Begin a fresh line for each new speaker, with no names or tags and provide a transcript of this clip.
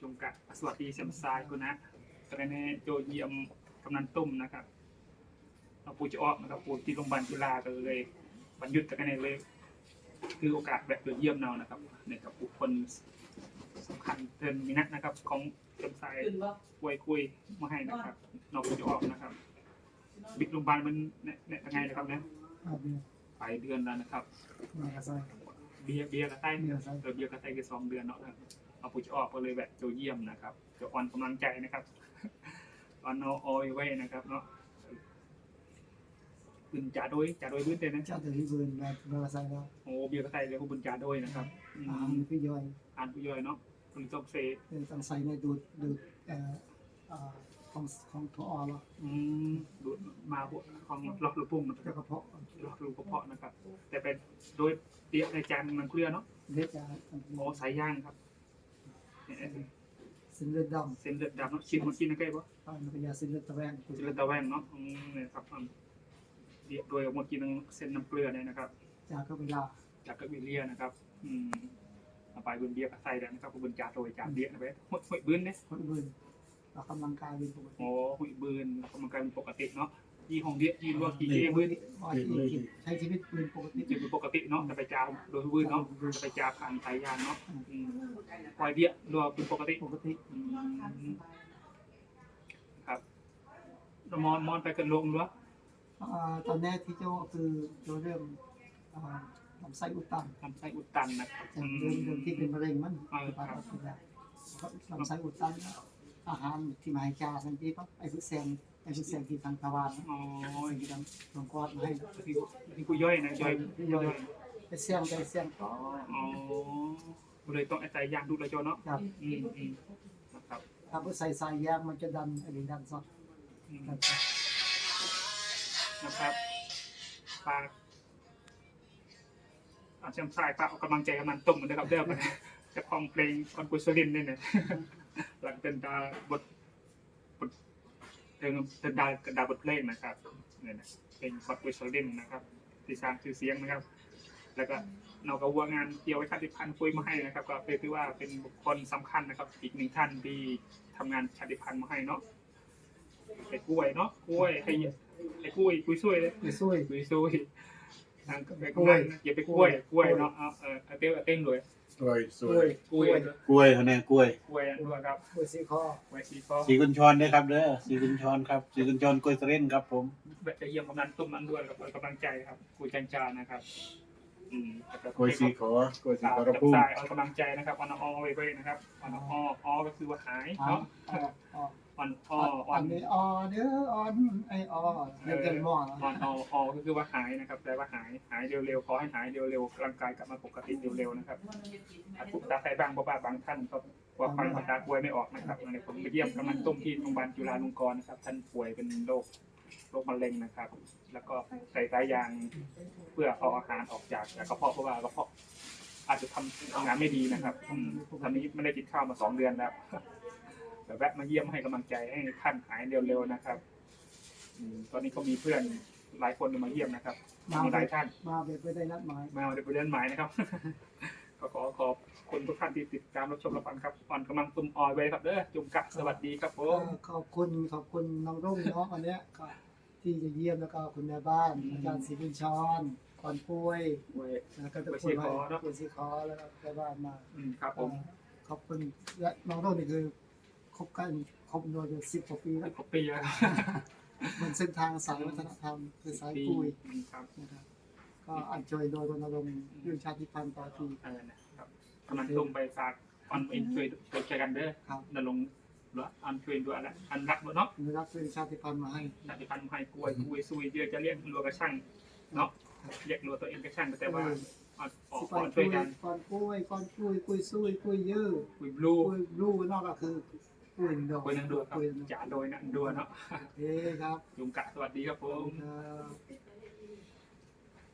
มกะสวัสดีเสียมทรายคุณนะตอนนี้โจเยี่ยมกำนันตุ้มนะครับเราปูจะออกนะครับปูที่โรงพยาบาลจุฬาก็เลยบรรยุทธ์กันในเลยคือโอกาสแบบเยี่ยมเรานะครับในกับบุคคลสำคัญเทินมินะนะครับของเสียมทรายคุยมาให้นะครับเราปูจะออกนะครับบิ๊กโรงพยาบาลมันเนี่ยยังไงนะครับเนี่ยไปเดือนแล้วนะครับเบียร์กระไตเบียร์กระไตก็2 เดือนเนาะเอาปูจะออกก็เลยแบบโจเยี่ยมนะครับจะอ่อนกำลังใจนะครับอ่อนเอาอ้อยไว้นะครับเนาะบุญจ่าโดยพื้นเต้นนะ
จ่าโดยพื้นแบบใส่แล้ว
โอ้เบียร์กระไตเลยบุญจ่าโดยนะครับ
ผู้ย่อย
ผู้ย่อยเนาะคุณต้องเซ
ต้องใส่ในดูดของถั่วอ่อนหรอ
ดูดมาบวกของล็อกลูกพุ่งมัน
กระเพาะ
ล็อกลูกกระเพาะนะครับแต่เป็นโดยเดียในจานมันเกลือเนาะ
เล็กจ้า
โอ้สายย่างครับ
เส้นเลือดดำ
เนาะชิมมากินนะใกล้ปะ
มันเป็นยาเส้นเลือดตะแวง
เนาะเนี่ยครับเดียโดยหมดกินเส้นน้ำเกลือเนี่ยนะครับ
จากก็เวลา
จากก็วิเลียนะครับไปบนเบียร์กับไส้แล้วนะครับบนจ่าโดยจ่าเดียนะเว้ยหอยบืนเนี่ย
หอยบืนเรากำลังกายเป็นปกติ
โอ้หอยบืนเรากำลังกายเป็นปกติเนาะยี่ห้องเดียยี่รัวกี่เองบืน
ใช้ชีวิตเป็นปกติ
เป็นปกติเนาะจะไปจ่าโดยบืนเนาะจะไปจ่าผ่านสายยางเนาะปล่อยเดียรัวเป็นปกติครับมอนไปกันลงหรือ
ตอนแรกที่เจ้าคือเรื่องลำไส้อุดตัน
นะครับ
เรื่องที่เป็นมะเร็งมันลำไส้อุดตันอาหารที่มาให้จาทันทีก็ไอ้ผู้แซงที่ทางทวารที่ทางหลวงพ่อมาให้
ที่กูย่อยนะย่อย
ไปแซงก็
เลยต้องใจยางดูเลยจอเนาะ
ครับ
นะครับ
ถ้าผู้ใส่สายยางมันจะดันอะไรดันซอ
นะครับปากเชื่อมสายปากออกกำลังใจกำลังต้มเหมือนเดิมครับเดิมจะคลองเพลงคอนกุศลินนี่เนี่ยหลังเป็นดาบทเป็นดาบทเพลงนะครับเนี่ยนะเป็นคอนกุศลินนะครับที่สร้างชื่อเสียงนะครับแล้วก็เราก็วัวงานเกี่ยวไว้ชาติพันธุ์คุยมาให้นะครับก็ถือว่าเป็นบุคคลสำคัญนะครับอีก1 ท่านที่ทำงานชาติพันธุ์มาให้เนาะไอ้กล้วยเนาะกล้วยให้ไอ้กล้วยช่วยเลย
ช่วย
ทางไปกล้วยอย่าไปกล้วยเนาะเต้นเลย
กล้วยเขาเนี่ยกล้วย
ด้วยครับ
กล้วยสีคอ
สีกุญชรด้วยครับเด้อสีกุญชรครับสีกุญชรกล้วยเสร็จครับผม
จะเยี่ยมกำนันตุ้มนั้นด้วยกับกำลังใจครับกุยจันจานะครับ
กล้วยสีขอกระพุ่ง
เอากำลังใจนะครับออนอไว้นะครับออนอก็คือว่าหายเนาะออน
นี้เด้อไอเรื่องหม้อ
อก็คือว่าหายนะครับแต่ว่าหายเร็วๆขอให้หายเร็วๆร่างกายกลับมาปกติเร็วๆนะครับทุกตาใส่บางบ้าบางท่านก็ว่าฟังภาษาป่วยไม่ออกนะครับในผมไปเยี่ยมกำนันตุ้มที่โรงพยาบาลจุฬาลงกรณ์นะครับท่านป่วยเป็นโรคมะเร็งนะครับแล้วก็ใส่สายยางเพื่อเอาอาหารออกจากกระเพาะเพราะว่ากระเพาะอาจจะทำงานไม่ดีนะครับตอนนี้ไม่ได้กินข้าวมา2 เดือนแล้วแต่แวะมาเยี่ยมให้กำลังใจให้ท่านหายเร็วๆนะครับตอนนี้ก็มีเพื่อนหลายคนมาเยี่ยมนะครับมีหลายท่าน
มาไปได้นัดหมาย
นะครับก็ขอบคุณทุกท่านที่ติดตามรับชมรับฟังครับอ่อนกำลังตุ้มออยไว้ครับเด้อจุ่มกะสวัสดีครับผม
ขอบคุณน้องรุ่งเนาะวันนี้ที่จะเยี่ยมแล้วก็คุณแม่บ้านอาจารย์ศรีบุญชรก่อนป่วยแล้วก็ตะคุยคุณสีคอแล้วก็แม่บ้านมา
ครับผม
ขอบคุณและน้องรุ่งนี่คือคบโดย10 กว่าปีแล้วมันเส้นทางสายวัฒนธรรมคือสายคุยนะครับก็อันช่วยโดยรณรงค์เรื่องชาติพันธุ์ต่อที
ครับกำลังลงไปฝากอันเป็นช่วยใจกันเด้อนรงหรืออันช่วยด้วยอะไรอันรักเนาะ
รักเรื่องชาติพันธุ์มาให้
ชาติพันธุ์มาให้กล้วยซุยเยอะจะเรียกรัวกระช่างเนาะเรียกรัวตัวเองกระช่างแต่ว่า
ก่อนช่วยกันก่อนกล้วยซุยกล้วยเยอะ
กล้วยบลู
นอกก็คือกล้วย
นังดูครับจ่าโดยนังดูเนาะ
ครับ
ยุงกะสวัสดีครับผม